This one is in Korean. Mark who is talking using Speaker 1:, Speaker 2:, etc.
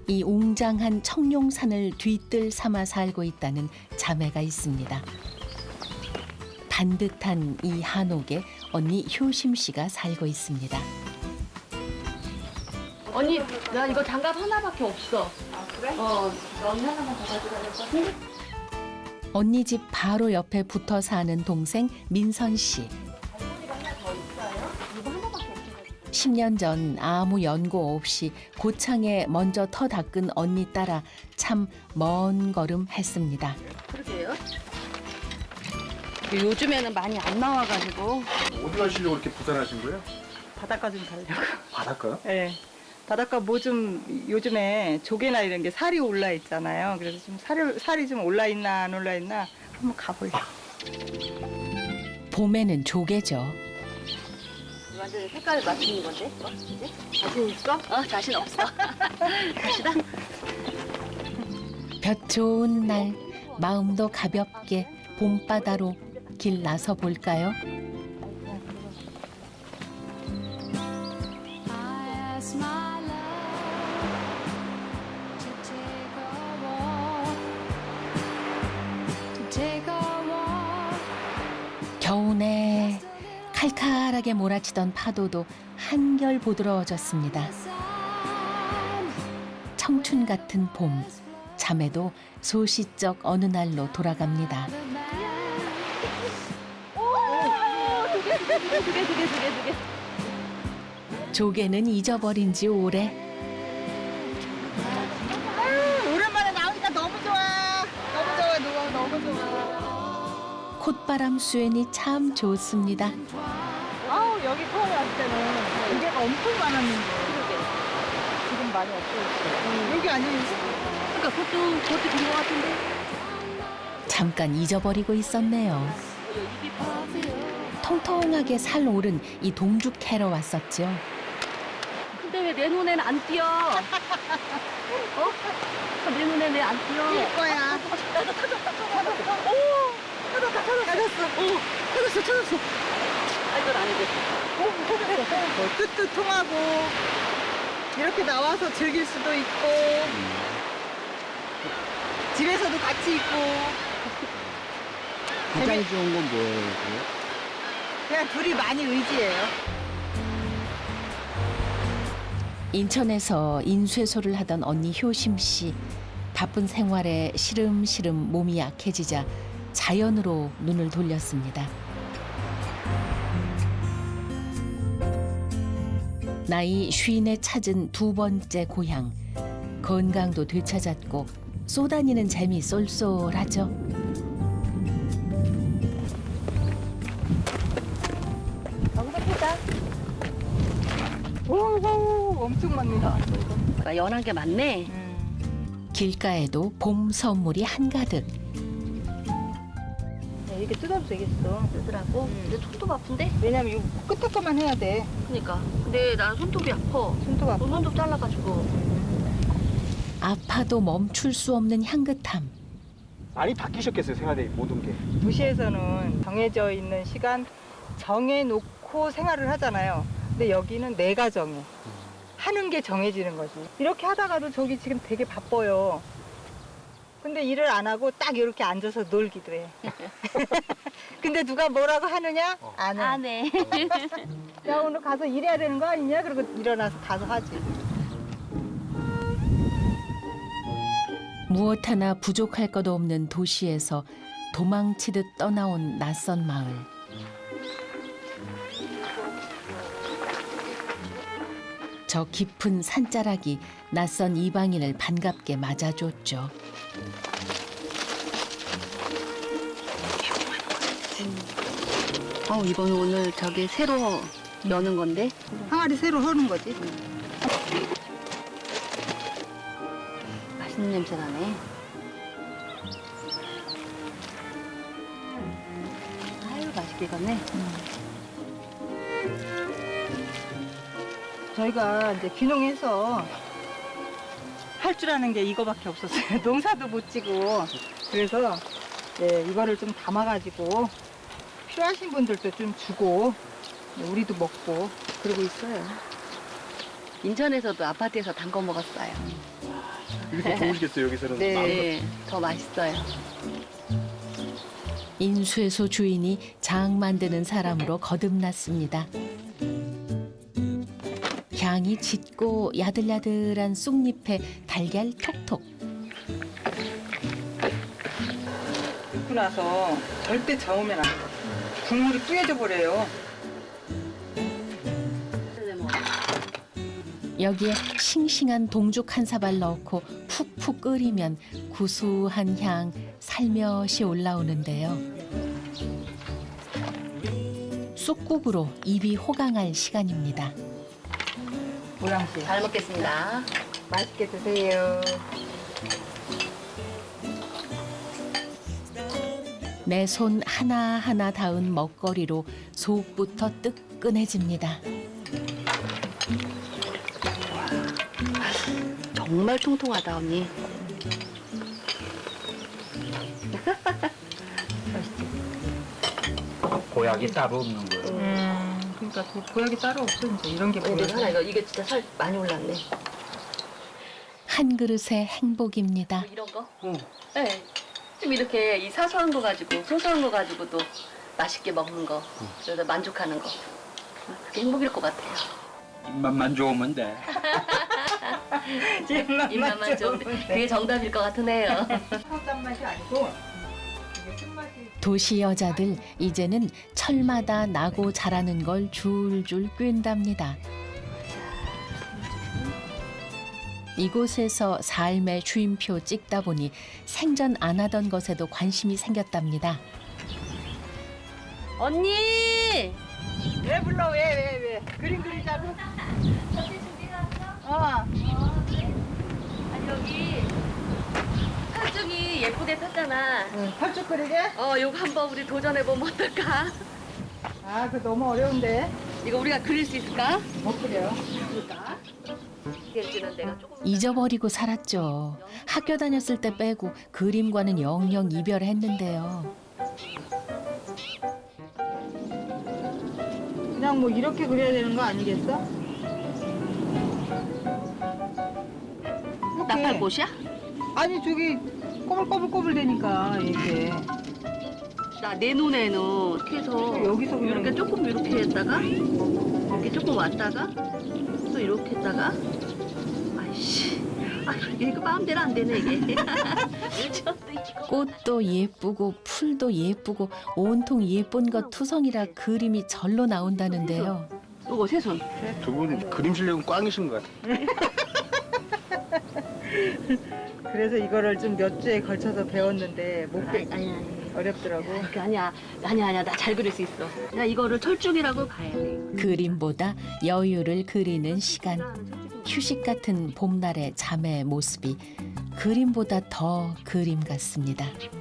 Speaker 1: 이 웅장한 청룡산을 뒤뜰 삼아 살고 있다는 자매가 있습니다. 반듯한 이 한옥에 언니 효심 씨가 살고 있습니다.
Speaker 2: 언니, 나 이거 장갑 하나밖에 없어.
Speaker 3: 아, 그래?
Speaker 2: 언니 하나만 더 가져가야 될 것 같은데?
Speaker 1: 언니 집 바로 옆에 붙어 사는 동생 민선 씨. 10년 전 아무 연고 없이 고창에 먼저 터 닦은 언니 따라 참 먼 걸음 했습니다.
Speaker 2: 그러게요. 요즘에는 많이 안 나와가지고
Speaker 4: 어디 가시려고 이렇게 부산하신 거예요?
Speaker 3: 바닷가 좀 가려고.
Speaker 4: 바닷가요?
Speaker 3: 네. 바닷가 뭐 좀 요즘에 조개나 이런 게 살이 올라 있잖아요. 그래서 좀 살이 좀 올라 있나 안 올라 있나 한번 가보려고.
Speaker 1: 봄에는 조개죠.
Speaker 2: 완전 색깔 맞추는 건데? 이제? 자신 있어? 자신 없어. 갑시다.
Speaker 1: 볕 좋은 날 마음도 가볍게 봄바다로 길 나서 볼까요? 겨우내 칼칼하게 몰아치던 파도도 한결 부드러워졌습니다. 청춘 같은 봄, 자매도 소시적 어느 날로 돌아갑니다.
Speaker 2: 두 개.
Speaker 1: 조개는 잊어버린 지 오래.
Speaker 3: 오랜만에 나오니까 너무 좋아. 너무 좋아.
Speaker 1: 콧바람 수엔이 참 좋습니다.
Speaker 3: 여기 처음에 왔을 때는 조개가 엄청 많았는데. 지금 많이 없어졌어요. 여기 아니에요?
Speaker 2: 그러니까 그것도 된 것 같은데?
Speaker 1: 잠깐 잊어버리고 있었네요. 통통하게 살 오른 이 동죽 캐러 왔었죠.
Speaker 2: 근데 왜 내 눈에는 안 띄어? 내 눈에 왜 안 띄어?
Speaker 3: 뛸 거야. 찾았어.
Speaker 2: 아, 이건 아니지.
Speaker 3: 뜨뜻통하고 이렇게 나와서 즐길 수도 있고 집에서도 같이 있고
Speaker 4: 가장 좋은 건 뭐예요?
Speaker 3: 그냥 둘이 많이 의지해요.
Speaker 1: 인천에서 인쇄소를 하던 언니 효심 씨. 바쁜 생활에 시름시름 몸이 약해지자 자연으로 눈을 돌렸습니다. 나이 50에 찾은 두 번째 고향. 건강도 되찾았고 쏘다니는 재미 쏠쏠하죠.
Speaker 3: 여기서 보자. 오, 엄청 많네요.
Speaker 2: 아, 연한 게 많네.
Speaker 1: 길가에도 봄 선물이 한가득.
Speaker 3: 이렇게 뜯어도 되겠어.
Speaker 2: 쓰더라고. 근데 손톱 아픈데?
Speaker 3: 왜냐면 이거 끝에 것만 해야 돼.
Speaker 2: 그러니까. 근데 나는 손톱이 아파.
Speaker 3: 손톱 아파.
Speaker 2: 손톱 잘라가지고.
Speaker 1: 아파도 멈출 수 없는 향긋함.
Speaker 4: 많이 바뀌셨겠어요, 생활의 모든 게.
Speaker 3: 도시에서는 정해져 있는 시간 정해놓고 생활을 하잖아요. 근데 여기는 내가 정해. 하는 게 정해지는 거지. 이렇게 하다가도 저기 지금 되게 바빠요. 근데 일을 안 하고 딱 이렇게 앉아서 놀기도 해. 근데 누가 뭐라고 하느냐? 안 해.
Speaker 2: 안 해.
Speaker 3: 야, 오늘 가서 일해야 되는 거 아니냐? 그리고 일어나서 가서 하지.
Speaker 1: 무엇 하나 부족할 것 없는 도시에서 도망치듯 떠나온 낯선 마을. 저 깊은 산자락이 낯선 이방인을 반갑게 맞아줬죠.
Speaker 2: 이거는 오늘 저기 새로 여는 건데.
Speaker 3: 항아리 새로 허는 거지.
Speaker 2: 맛있는 냄새 나네. 아유, 맛있게 익었네.
Speaker 3: 저희가 이제 귀농해서 할 줄 아는 게 이거밖에 없었어요. 농사도 못 지고. 그래서 이거를 좀 담아가지고 필요하신 분들도 좀 주고 우리도 먹고 그러고 있어요.
Speaker 2: 인천에서도 아파트에서 담궈 먹었어요.
Speaker 4: 이게 더 좋으시겠어요 여기서는.
Speaker 2: 네, 더 맛있어요.
Speaker 1: 인수해소 주인이 장 만드는 사람으로 거듭났습니다. 향이 짙고 야들야들한 쑥잎에 달걀 톡톡.
Speaker 3: 넣고 나서 절대 저으면 안 돼. 국물이 뿌얘져 버려요.
Speaker 1: 여기에 싱싱한 동죽 한 사발 넣고 푹푹 끓이면 구수한 향 살며시 올라오는데요. 쑥국으로 입이 호강할 시간입니다.
Speaker 3: 모양씨.
Speaker 2: 잘 먹겠습니다.
Speaker 3: 맛있게 드세요.
Speaker 1: 내 손 하나하나 닿은 먹거리로 속부터 뜨끈해집니다.
Speaker 2: 정말 통통하다 언니.
Speaker 5: 보약이 따로 없는 거예요.
Speaker 3: 그러니까 그 보약이 따로 없어 이제 이런 게
Speaker 2: 근데
Speaker 3: 보약.
Speaker 2: 하나 이게 진짜 살 많이 올랐네.
Speaker 1: 한 그릇의 행복입니다.
Speaker 2: 이런 거? 네. 좀 이렇게 이 사소한 거 가지고 소소한 거 가지고도 맛있게 먹는 거, 그래서 만족하는 거. 그게 행복일 것 같아요.
Speaker 5: 입맛만 좋으면 돼.
Speaker 2: 입맛만 좋으면 그게 정답일 것 같으네요.
Speaker 3: 사단 맛이 아니고 이게 쓴맛이.
Speaker 1: 도시 여자들 이제는 철마다 나고 자라는 걸 줄줄 꿰는답니다. 이곳에서 삶의 주임표 찍다 보니 생전 안 하던 것에도 관심이 생겼답니다.
Speaker 2: 언니!
Speaker 3: 왜 불러 왜? 그림 그리자고.
Speaker 2: 아니 여기 철쭉이 예쁘게 폈잖아.
Speaker 3: 펄쭉 그리게?
Speaker 2: 요거 한번 우리 도전해보면 어떨까?
Speaker 3: 아, 그 너무 어려운데.
Speaker 2: 이거 우리가 그릴 수 있을까?
Speaker 3: 못 그려.
Speaker 2: 그럴까? 그리는 내가 조금
Speaker 1: 잊어버리고 살았죠. 학교 다녔을 때 빼고 그림과는 영영 이별했는데요.
Speaker 3: 그냥 뭐 이렇게 그려야 되는 거 아니겠어? 이렇게.
Speaker 2: 나팔꽃이야?
Speaker 3: 아니 저기 꼬불꼬불꼬불 되니까 이렇게.
Speaker 2: 나 내 눈에는 이렇게 해서
Speaker 3: 여기서 그냥
Speaker 2: 이렇게 조금 이렇게 했다가 이렇게 조금 왔다가 또 이렇게 했다가 아이씨 이거 마음대로 안 되네 이게.
Speaker 1: 꽃도 예쁘고 풀도 예쁘고 온통 예쁜 것 투성이라 그림이 절로 나온다는데요.
Speaker 2: 요거 새손.
Speaker 4: 두 분 그림 실력은 꽝이신 것 같아요.
Speaker 3: 그래서 이거를 좀 몇 주에 걸쳐서 배웠는데 못 배.
Speaker 2: 아니
Speaker 3: 어렵더라고.
Speaker 2: 그게 아니야 나 잘 그릴 수 있어. 나 이거를 철쭉이라고 봐야 돼.
Speaker 1: 그림보다 여유를 그리는 시간. 휴식 같은 봄날의 자매의 모습이 그림보다 더 그림 같습니다.